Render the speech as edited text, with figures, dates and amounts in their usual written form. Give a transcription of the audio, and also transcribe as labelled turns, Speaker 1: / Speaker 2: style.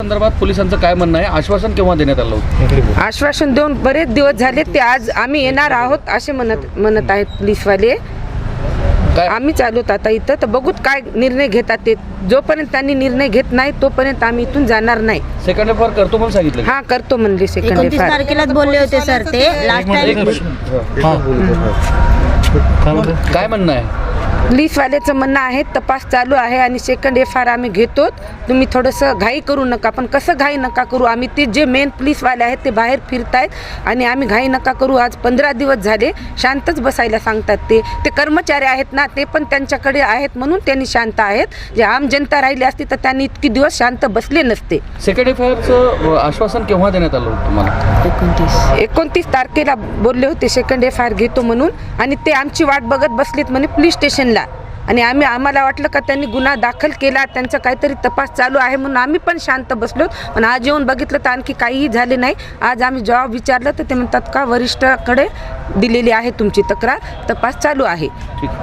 Speaker 1: संदर्भात पोलिसांचं काय म्हणणं आहे? आश्वासन केव्हा देण्यात आलं होतं?
Speaker 2: आश्वासन देऊन बरेच दिवस झाले, ते आज आम्ही येणार आहोत असे म्हणत आहेत पोलीसवाले.
Speaker 1: काय
Speaker 2: आम्ही चालूत आता इथं, तर बघूत काय निर्णय घेतात ते. जोपर्यंत त्यांनी निर्णय घेत नाही तोपर्यंत आम्ही इथून जाणार नाही.
Speaker 1: सेकंड एफ करतो म्हणून सांगितलं?
Speaker 2: हा करतो म्हणले. सेकंड
Speaker 3: 29 तारखेलाच बोलले होते सर ते. लास्ट टाइम
Speaker 1: काय म्हणणं आहे?
Speaker 2: पोलीसवाल्याचं म्हणणं आहे तपास चालू आहे आणि सेकंड FIR आम्ही घेतो. तुम्ही थोडंसं घाई करू नका. पण कसं घाई नका करू, आम्ही ते जे मेन पोलीसवाले आहेत ते बाहेर फिरतायत आणि आम्ही घाई नका करू. आज 15 दिवस झाले शांतच बसायला सांगतात. ते कर्मचारी आहेत ना, ते पण त्यांच्याकडे आहेत म्हणून त्यांनी शांत आहेत. जे आम जनता राहिली असती तर त्यांनी इतकी दिवस शांत बसले नसते.
Speaker 1: सेकंड FIRचं आश्वासन केव्हा देण्यात आलं होतं तुम्हाला?
Speaker 2: 29 तारखेला बोलले होते सेकंड FIR घेतो म्हणून, आणि ते आमची वाट बघत बसलेत म्हणे पोलीस स्टेशनला. आणि आम्हाला वाटलं का त्यांनी गुन्हा दाखल केला, त्यांचा काहीतरी तपास चालू आहे म्हणून आम्ही पण शांत बसलो. पण आज येऊन बघितलं तर आणखी काहीही झाले नाही. आज आम्ही जेव्हा विचारलं तर ते म्हणतात का वरिष्ठाकडे दिलेली आहे तुमची तक्रार, तपास चालू आहे.